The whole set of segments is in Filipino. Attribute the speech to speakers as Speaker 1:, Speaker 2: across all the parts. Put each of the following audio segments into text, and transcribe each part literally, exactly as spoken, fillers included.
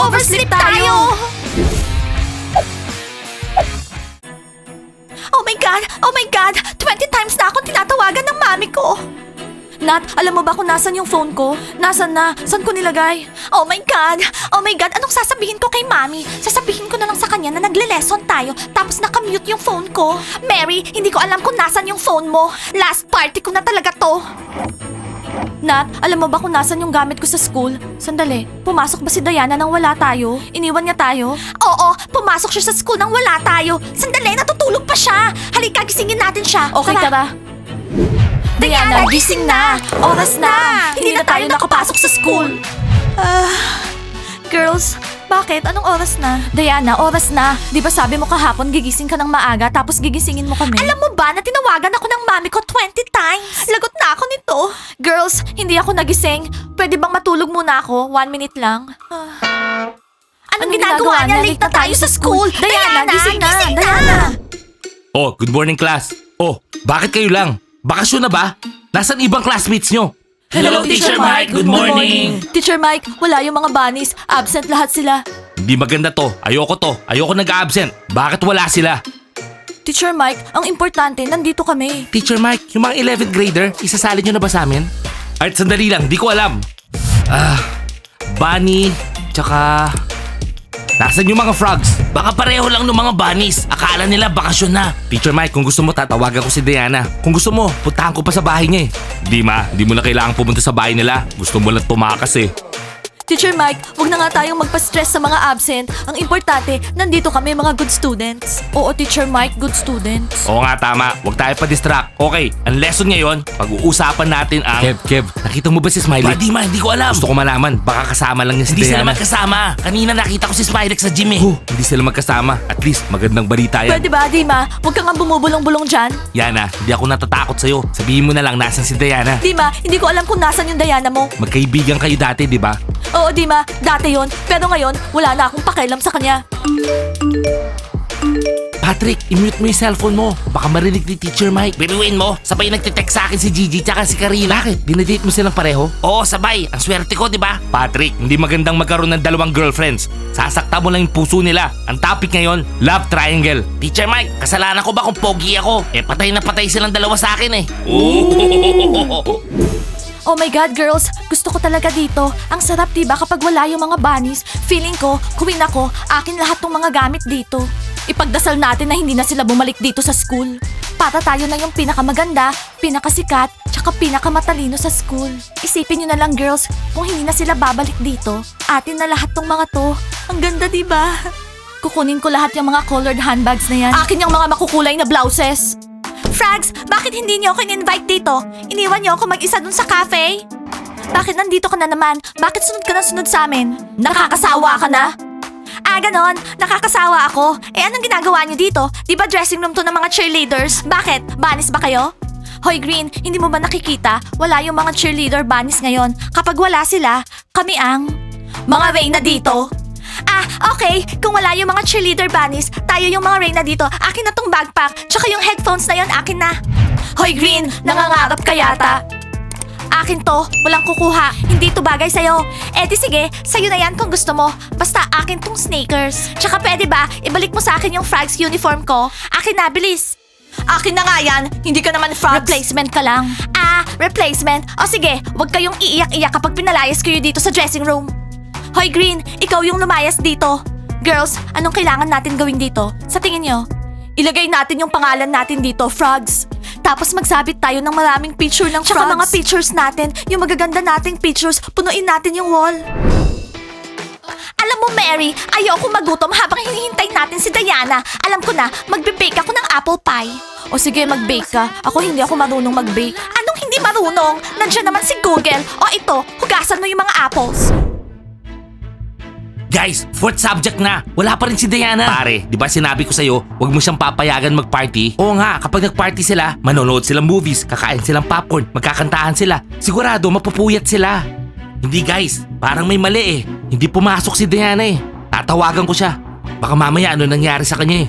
Speaker 1: Oversleep tayo! Oh my God! Oh my God! twenty times na akong tinatawagan ng mami ko! Nat, alam mo ba kung nasan yung phone ko? Nasaan na? Saan ko nilagay? Oh my God! Oh my God! Anong sasabihin ko kay Mami? Sasabihin ko na lang sa kanya na nagle-lesson tayo tapos nakamute yung phone ko. Mary, hindi ko alam kung nasan yung phone mo. Last party ko na talaga to. Nat, alam mo ba kung nasan yung gamit ko sa school? Sandali, pumasok ba si Diana nang wala tayo? Iniwan niya tayo? Oo, pumasok siya sa school nang wala tayo. Sandali, natutulog pa siya. Halika, gisingin natin siya. Okay, tara. Diana, gising na! Oras na! Hindi na tayo nakapasok sa school! Ah, girls, bakit? Anong oras na? Diana, oras na. Di ba sabi mo kahapon gigising ka ng maaga tapos gigisingin mo kami? Alam mo ba na tinawagan ako ng mami ko twenty times? Lagot na ako nito. Girls, hindi ako nagising. Pwede bang matulog muna ako? One minute lang. Ah. Anong, Anong ginagawa, ginagawa niya? Late na tayo sa school! Diana, gising na! Diana!
Speaker 2: Oh, good morning class. Oh, bakit kayo lang? Bakasyon na ba? Nasaan ibang classmates nyo?
Speaker 1: Hello, Teacher Mike. Good morning. Teacher Mike, wala yung mga bunnies. Absent lahat sila.
Speaker 2: Hindi maganda to. Ayoko to. Ayoko nag-absent. Bakit wala sila?
Speaker 1: Teacher Mike, ang importante, nandito kami.
Speaker 2: Teacher Mike, yung mga eleventh grader, isasali nyo na ba sa amin? Art, sandali lang. Di ko alam. Ah, Bunny, tsaka... Nasaan yung mga frogs? Baka pareho lang ng mga bunnies. Akala nila bakasyon na. Teacher Mike, kung gusto mo tatawagan ko si Diana. Kung gusto mo, puntahan ko pa sa bahay niya eh. Di ma, di mo na kailangan pumunta sa bahay nila. Gusto mo lang tumakas eh.
Speaker 1: Teacher Mike, wag na nga tayong magpa-stress sa mga absent. Ang importante, nandito kami mga good students. Oo, Teacher Mike, good students.
Speaker 2: Oo nga, tama. Huwag tayo pa-distract. Okay, ang lesson ngayon, pag-uusapan natin ang... Kev, Kev, nakita mo ba si Smiley? Hindi ma, hindi ko alam. Gusto ko malaman, baka kasama lang niya si
Speaker 3: Hindi
Speaker 2: Diana.
Speaker 3: sila magkasama. Kanina nakita ko si Smiley sa gym eh.
Speaker 2: Huh, hindi sila magkasama. At least, magandang balita yan.
Speaker 1: Pwede ba, Dima? Huwag kang nga bumubulong-bulong dyan.
Speaker 2: Yana, hindi ako natatakot sa'yo. Sabihin mo na lang nasan si Diana.
Speaker 1: Dima, hindi ko alam kung nasan yung Diana mo.
Speaker 2: Magkaibigan kayo dati, di ba?
Speaker 1: Oo, Dima, dati yon. Pero ngayon, wala na akong pakialam sa kanya.
Speaker 2: Patrick, i-mute mo yung cellphone mo. Baka marinig ni Teacher Mike.
Speaker 3: Biruin mo, sabay nagtitext sa akin si Gigi tsaka si Karina.
Speaker 2: Bakit? Dinedate mo silang pareho?
Speaker 3: Oo, sabay. Ang swerte ko, di ba?
Speaker 2: Patrick, hindi magandang magkaroon ng dalawang girlfriends. Sasakta mo lang yung puso nila. Ang topic ngayon, love triangle.
Speaker 3: Teacher Mike, kasalanan ko ba kung pogi ako? Eh, patay na patay silang dalawa sa akin eh.
Speaker 1: Oh my God, girls! Gusto ko talaga dito. Ang sarap diba kapag wala yung mga bunnies? Feeling ko, queen ako, akin lahat ng mga gamit dito. Ipagdasal natin na hindi na sila bumalik dito sa school. Para tayo na yung pinakamaganda, pinakasikat, tsaka pinakamatalino sa school. Isipin nyo na lang, girls, kung hindi na sila babalik dito, atin na lahat tong mga to. Ang ganda diba? Kukunin ko lahat yung mga colored handbags na yan. Akin yung mga makukulay na blouses. Frags, bakit hindi niyo ako in-invite dito? Iniwan niyo ako mag-isa dun sa cafe? Bakit nandito ka na naman? Bakit sunod ka na sunod sa amin? Nakakasawa ka na? Ah, ganon. Nakakasawa ako. Eh, anong ginagawa niyo dito? Di ba dressing room to ng mga cheerleaders? Bakit? Banis ba kayo? Hoy Green, hindi mo ba nakikita? Wala yung mga cheerleader banis ngayon. Kapag wala sila, kami ang... Mga Reyna dito. Ah, okay. Kung wala yung mga cheerleader bunnies, tayo yung mga Reyna dito. Akin na tong backpack, tsaka yung headphones na yon akin na. Hoy Green, nangangarap ka yata. Akin to, walang kukuha. Hindi to bagay sa'yo. Eh di sige, sa'yo na yan kung gusto mo. Basta akin tong sneakers. Tsaka pwede ba, ibalik mo sa akin yung Frags uniform ko? Akin na, bilis. Akin na nga yan, hindi ka naman Frags. Replacement ka lang. Ah, replacement? O sige, wag kayong iiyak-iyak kapag pinalayas kayo dito sa dressing room. Hoy Green, ikaw yung lumayas dito. Girls, anong kailangan natin gawin dito? Sa tingin nyo? Ilagay natin yung pangalan natin dito, Frogs. Tapos magsabit tayo ng maraming picture ng Tsaka Frogs. Mga pictures natin, yung magaganda nating pictures, punuin natin yung wall. Alam mo, Mary, ayoko magutom habang hinihintay natin si Diana. Alam ko na, magbe-bake ako ng apple pie. O sige, mag-bake ka. Ako hindi ako marunong mag-bake. Anong hindi marunong? Nandiyan naman si Google. O ito, hugasan mo yung mga apples.
Speaker 3: Guys, fourth subject na. Wala pa rin si Diana.
Speaker 2: Pare, di ba sinabi ko sa'yo, huwag mo siyang papayagan mag-party? Oo nga, kapag nag-party sila, manonood silang movies, kakain silang popcorn, magkakantahan sila. Sigurado, mapupuyat sila. Hindi guys, parang may mali eh. Hindi pumasok si Diana eh. Tatawagan ko siya. Baka mamaya ano nangyari sa kanya eh.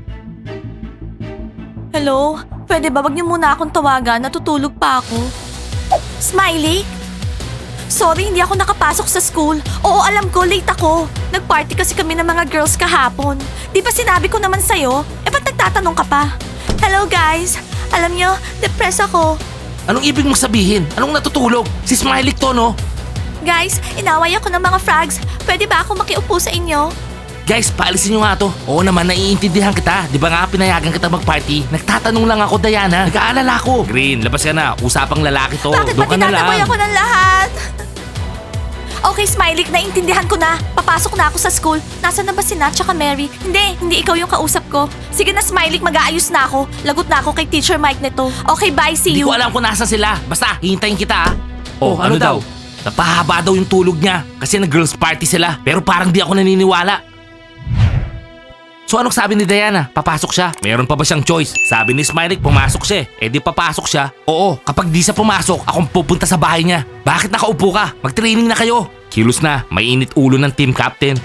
Speaker 1: Hello? Pwede ba wag niyo muna akong tawagan? Natutulog pa ako. Smiley? Sorry, hindi ako nakapasok sa school. Oo, alam ko, late ako. Nag-party kasi kami ng mga girls kahapon. Di ba sinabi ko naman sa'yo? Eh, ba't nagtatanong ka pa? Hello, guys. Alam nyo, depressed ako.
Speaker 2: Anong ibig mong sabihin? Anong natutulog? Si Smiley to, no?
Speaker 1: Guys, inaway ako ng mga frogs. Pwede ba ako makiupo sa inyo?
Speaker 2: Guys, paalisin nyo nga to. Oo naman, naiintindihan kita. Di ba nga pinayagan kita mag-party? Nagtatanong lang ako, Diana. Nag-aalala ko. Green, labas ka na. Usapang lalaki to.
Speaker 1: Bakit ba
Speaker 2: Doon ka na
Speaker 1: tinataboy
Speaker 2: lang.
Speaker 1: ako ng lahat? Okay, Smiley, naiintindihan ko na. Papasok na ako sa school. Nasaan na ba si Nat tsaka Mary? Hindi, hindi ikaw yung kausap ko. Sige na, Smiley, mag-aayos na ako. Lagot na ako kay Teacher Mike nito. Okay, bye, see
Speaker 2: Hindi
Speaker 1: you.
Speaker 2: ko alam kung nasan sila. Basta, hihintayin kita, ah. Oh, ano, daw? Napahaba daw yung tulog niya kasi nag-girls party sila. Pero parang di ako naniniwala. So anong sabi ni Diana? Papasok siya. Meron pa ba siyang choice? Sabi ni Smiley, pumasok siya. Eh di papasok siya. Oo, kapag di siya pumasok, akong pupunta sa bahay niya. Bakit nakaupo ka? Mag-training na kayo. Kilos na, may init ulo ng team captain.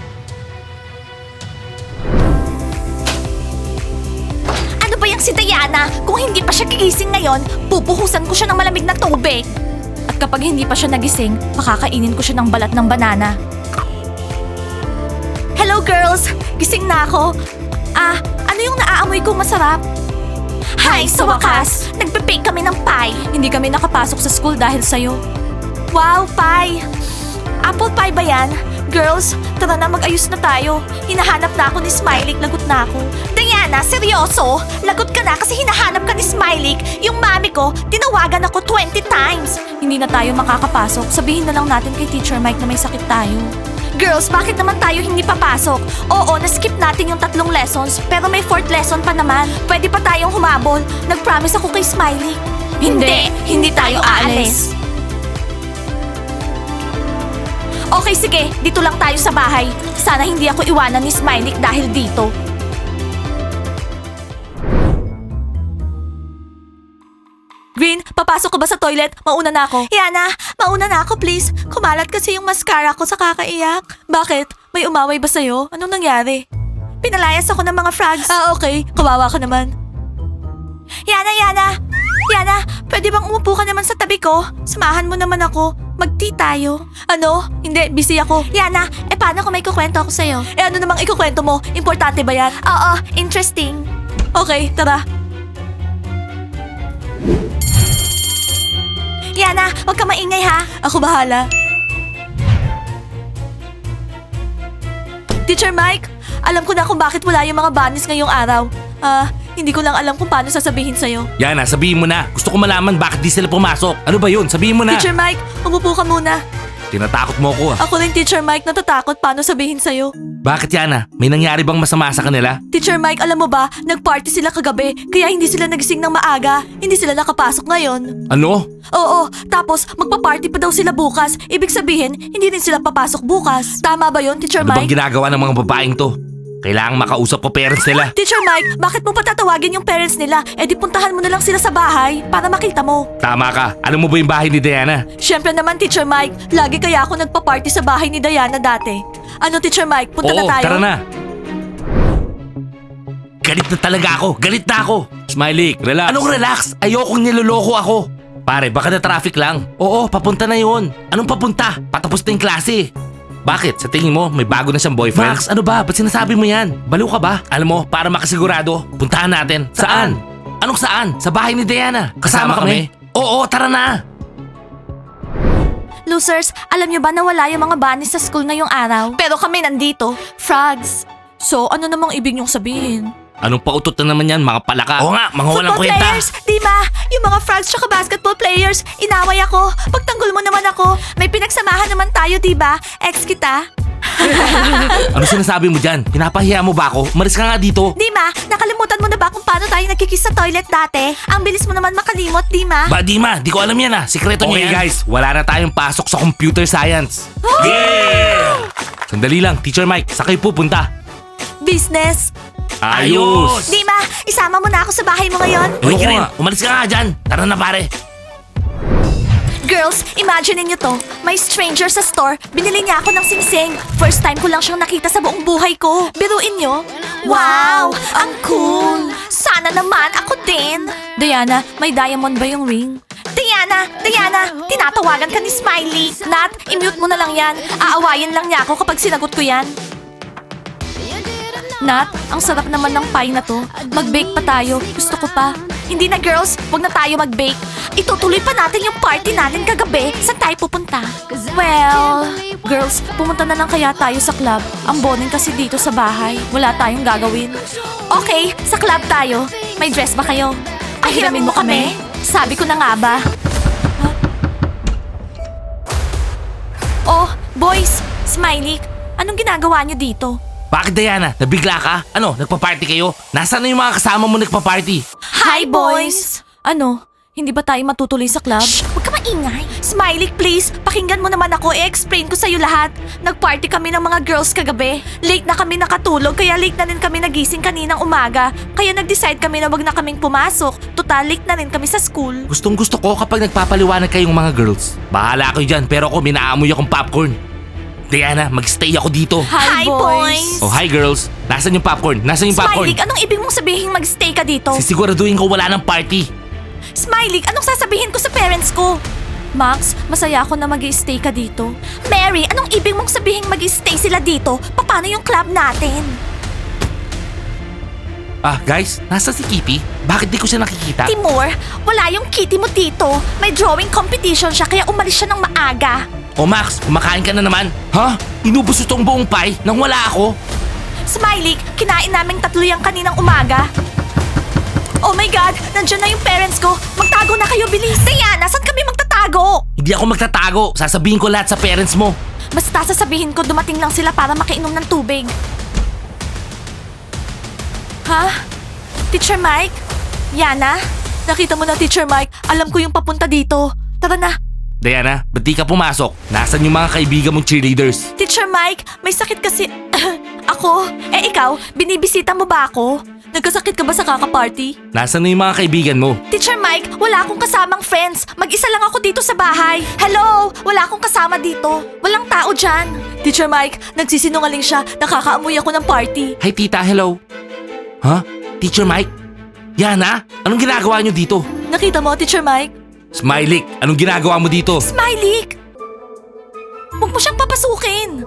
Speaker 1: Ano ba yung si Diana? Kung hindi pa siya gigising ngayon, pupuhusan ko siya ng malamig na tubig. At kapag hindi pa siya nagising, pakakainin ko siya ng balat ng banana. Hello girls! Gising na ako. Ah, ano yung naaamoy kong masarap? Hi, sa wakas! Nagpe-bake kami ng pie. Hindi kami nakapasok sa school dahil sa'yo. Wow, pie! Apple pie ba yan? Girls, tara na mag-ayos na tayo. Hinahanap na ako ni Smiley, lagot na ako. Diana, seryoso? Lagot ka na kasi hinahanap ka ni Smiley. Yung mami ko, tinawagan ako twenty times. Hindi na tayo makakapasok. Sabihin na lang natin kay Teacher Mike na may sakit tayo. Girls, bakit naman tayo hindi papasok? Oo, na-skip natin yung tatlong lessons, pero may fourth lesson pa naman. Pwede pa tayong humabol. Nag-promise ako kay Smiley. Hindi, hindi tayo aalis. Okay, sige. Dito lang tayo sa bahay. Sana hindi ako iwanan ni Smiley dahil dito. Green, papasok ka ba sa toilet? Mauna na ako. Yana, mauna na ako please. Kumalat kasi yung mascara ko sa kakaiyak. Bakit? May umaway ba sa'yo? Anong nangyari? Pinalayas ako ng mga frogs. Ah, okay. Kawawa ka naman. Yana, Yana! Yana, pwede bang umupo ka naman sa tabi ko? Samahan mo naman ako. Mag-tea tayo. Ano? Hindi, busy ako. Yana, eh paano kung may kukwento ako sa'yo? Eh ano namang ikukwento mo? Importante ba yan? Oo, interesting. Okay, tara. Yana, huwag ka maingay ha. Ako bahala. Teacher Mike, alam ko na kung bakit wala yung mga bunnies ngayong araw. Ah, hindi ko lang alam kung paano sasabihin sa'yo.
Speaker 2: Yana, sabihin mo na. Gusto ko malaman bakit di sila pumasok. Ano ba yun? Sabihin mo na.
Speaker 1: Teacher Mike, umupo ka muna.
Speaker 2: Tinatakot mo ako, ah.
Speaker 1: Ako rin, Teacher Mike, natatakot paano sabihin sa'yo.
Speaker 2: Bakit, Yana? May nangyari bang masama sa kanila?
Speaker 1: Teacher Mike, alam mo ba, nag-party sila kagabi, kaya hindi sila nagising ng maaga. Hindi sila nakapasok ngayon.
Speaker 2: Ano?
Speaker 1: Oo, tapos magpa-party pa daw sila bukas. Ibig sabihin, hindi rin sila papasok bukas. Tama ba yon, Teacher
Speaker 2: Ano bang
Speaker 1: Mike?
Speaker 2: ginagawa ng mga babaeng to? Kailangang makausap po parents nila.
Speaker 1: Teacher Mike, bakit mo patatawagin yung parents nila? Eh di puntahan mo na lang sila sa bahay para makita mo.
Speaker 2: Tama ka. Alam mo ba yung bahay ni Diana?
Speaker 1: Siyempre naman, Teacher Mike, lagi kaya ako nagpa-party sa bahay ni Diana dati. Ano, Teacher Mike, punta
Speaker 2: Oo,
Speaker 1: na tayo?
Speaker 2: tara na. Galit na talaga ako. Galit na ako. Smiley, relax. Anong relax? Ayokong niloloko ako. Pare, baka na traffic lang. Oo, papunta na yun. Anong papunta? Patapos na yung klase. Bakit? Sa tingin mo, may bago na siyang boyfriend? Max, ano ba? Ba't sinasabi mo yan? Baliw ka ba? Alam mo, para makasigurado, puntahan natin. Saan? Anong saan? Sa bahay ni Diana. Kasama, kami? Oo, tara na.
Speaker 1: Losers, alam nyo ba na wala yung mga bunnies sa school ngayong araw? Pero kami nandito. Frogs. So, ano namang ibig nyong sabihin?
Speaker 2: Anong pautot na naman yan, mga palaka? Oo nga, mga walang
Speaker 1: Football
Speaker 2: kwenta.
Speaker 1: players! Dima, yung mga frogs tsaka basketball players, inaway ako. Pagtanggol mo naman ako. May pinagsamahan naman tayo, diba? Ex kita.
Speaker 2: Ano sinasabi mo dyan? Pinapahiya mo ba ako? Umalis ka nga dito.
Speaker 1: Dima, nakalimutan mo na ba kung paano tayo nagkikiss sa toilet dati? Ang bilis mo naman makalimot, Dima.
Speaker 2: Ba, Dima, di ko alam yan ah. Sikreto niya yan. Okay guys, wala na tayong pasok sa computer science. Yeah! Sandali lang, Teacher Mike, sa kayo pupunta?
Speaker 1: Business.
Speaker 2: Ayos!
Speaker 1: Dima, isama mo na ako sa bahay mo ngayon.
Speaker 2: Uy, Kirin, umalis ka nga dyan. Tara na pare.
Speaker 1: Girls, imagine niyo to. May stranger sa store, binili niya ako ng singsing. First time ko lang siyang nakita sa buong buhay ko. Biruin niyo? Wow! Ang cool! Sana naman ako din. Diana, may diamond ba yung ring? Diana! Diana! Diana! Tinatawagan ka ni Smiley! Nat, i-mute mo na lang yan. Aawayin lang niya ako kapag sinagot ko yan. Nat, ang sarap naman ng pie na to. Mag-bake pa tayo. Gusto ko pa. Hindi na girls, wag na tayo mag-bake. Itutuloy pa natin yung party natin kagabi. Saan tayo pupunta? Well, girls, pumunta na lang kaya tayo sa club. Ang boring kasi dito sa bahay. Wala tayong gagawin. Okay, sa club tayo. May dress ba kayo? Ay, hiramin mo kami? Sabi ko na nga ba? Huh? Oh, boys, Smiley, anong ginagawa niyo dito?
Speaker 2: Bakit Diana? Nabigla ka? Ano, nagpa-party kayo? Nasaan na yung mga kasama mo nagpa-party?
Speaker 1: Hi, boys! Ano? Hindi ba tayo matutuloy sa club? Shh! Huwag ka maingay! Smiley, please! Pakinggan mo naman ako. I-explain ko sa'yo lahat. Nag-party kami ng mga girls kagabi. Late na kami nakatulog, kaya late na rin kami nagising kaninang umaga. Kaya nag-decide kami na wag na kaming pumasok. Total, late na rin kami sa school.
Speaker 2: Gustong gusto ko kapag nagpapaliwanag kayong mga girls. Bahala kayo dyan, pero ako minaamoy akong popcorn. Diana, mag-stay ako dito.
Speaker 1: Hi, boys!
Speaker 2: Oh, hi girls. Nasaan yung popcorn? Nasaan yung popcorn?
Speaker 1: Smiley, anong ibig mong sabihin mag-stay ka dito?
Speaker 2: Sisiguraduhin ko wala ng party.
Speaker 1: Smiley, anong sasabihin ko sa parents ko? Max, masaya ako na mag-stay ka dito. Mary, anong ibig mong sabihin mag-stay sila dito? Paano yung club natin?
Speaker 2: Ah, guys, nasa si Kitty? Bakit di ko siya nakikita?
Speaker 1: Timur, wala yung kitty mo dito. May drawing competition siya kaya umalis siya ng maaga.
Speaker 2: Oh Max, kumakain ka na naman. Ha? Inubos itong buong pie nang wala ako?
Speaker 1: Smiley, kinain naming tatlo yung kaninang umaga. Oh my God, nandiyan na yung parents ko. Magtago na kayo, bilis. Diana, saan kami magtatago?
Speaker 2: Hindi ako magtatago. Sasabihin ko lahat sa parents mo.
Speaker 1: Basta sasabihin ko dumating lang sila para makainom ng tubig. Ha? Teacher Mike? Yana? Nakita mo na, Teacher Mike. Alam ko yung papunta dito. Tara na.
Speaker 2: Diana, ba't di ka pumasok? Nasaan yung mga kaibigan mong cheerleaders?
Speaker 1: Teacher Mike, may sakit kasi... ako? Eh ikaw, binibisita mo ba ako? Nagkasakit ka ba sa kaka-party?
Speaker 2: Nasaan na yung mga kaibigan mo?
Speaker 1: Teacher Mike, wala akong kasamang friends. Mag-isa lang ako dito sa bahay. Hello! Wala akong kasama dito. Walang tao dyan. Teacher Mike, nagsisinungaling siya. Nakakaamoy ako ng party.
Speaker 2: Hi tita, hello. Ha? Teacher Mike? Yana, anong ginagawa niyo dito?
Speaker 1: Nakita mo, Teacher Mike?
Speaker 2: Smiley, anong ginagawa mo dito?
Speaker 1: Smiley! Huwag mo siyang papasukin.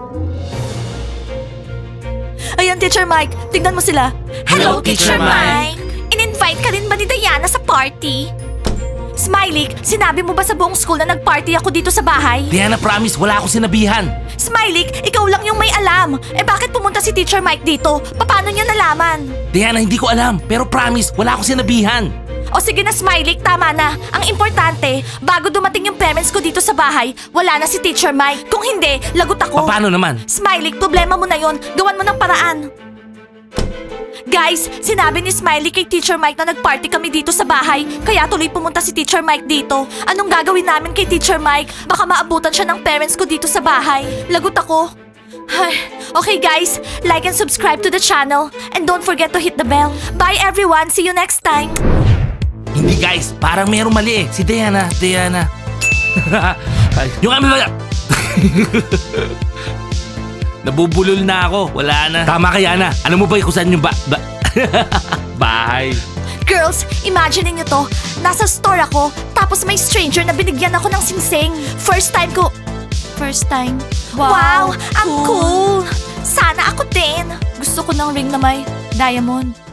Speaker 1: Ayan, Teacher Mike. Tignan mo sila.
Speaker 2: Hello, Teacher Mike.
Speaker 1: In-invite ka rin ba ni Diana sa party? Smiley, sinabi mo ba sa buong school na nag-party ako dito sa bahay?
Speaker 2: Diana, promise, wala akong sinabihan.
Speaker 1: Smiley, ikaw lang yung may alam. Eh bakit pumunta si Teacher Mike dito? Paano niya nalaman?
Speaker 2: Diana, hindi ko alam. Pero promise, wala akong sinabihan.
Speaker 1: O sige na, Smiley, tama na. Ang importante, bago dumating yung parents ko dito sa bahay, wala na si Teacher Mike. Kung hindi, lagot ako.
Speaker 2: Paano naman?
Speaker 1: Smiley, problema mo na yon. Gawan mo ng paraan. Guys, sinabi ni Smiley kay Teacher Mike na nag-party kami dito sa bahay, kaya tuloy pumunta si Teacher Mike dito. Anong gagawin namin kay Teacher Mike? Baka maabutan siya ng parents ko dito sa bahay. Lagot ako. Ay, okay guys, like and subscribe to the channel. And don't forget to hit the bell. Bye everyone, see you next time.
Speaker 2: Hindi guys, parang merong mali eh. Si Diana, Diana. Ay, yung kami ba? Nabubulol na ako, wala na. Tama ka Yana, alam mo ba kung saan yung ba... ba bahay?
Speaker 1: Girls, imagine niyo to. Nasa store ako, tapos may stranger na binigyan ako ng singsing. First time ko... First time? Wow, ang cool. Sana ako din. Gusto ko ng ring na may diamond.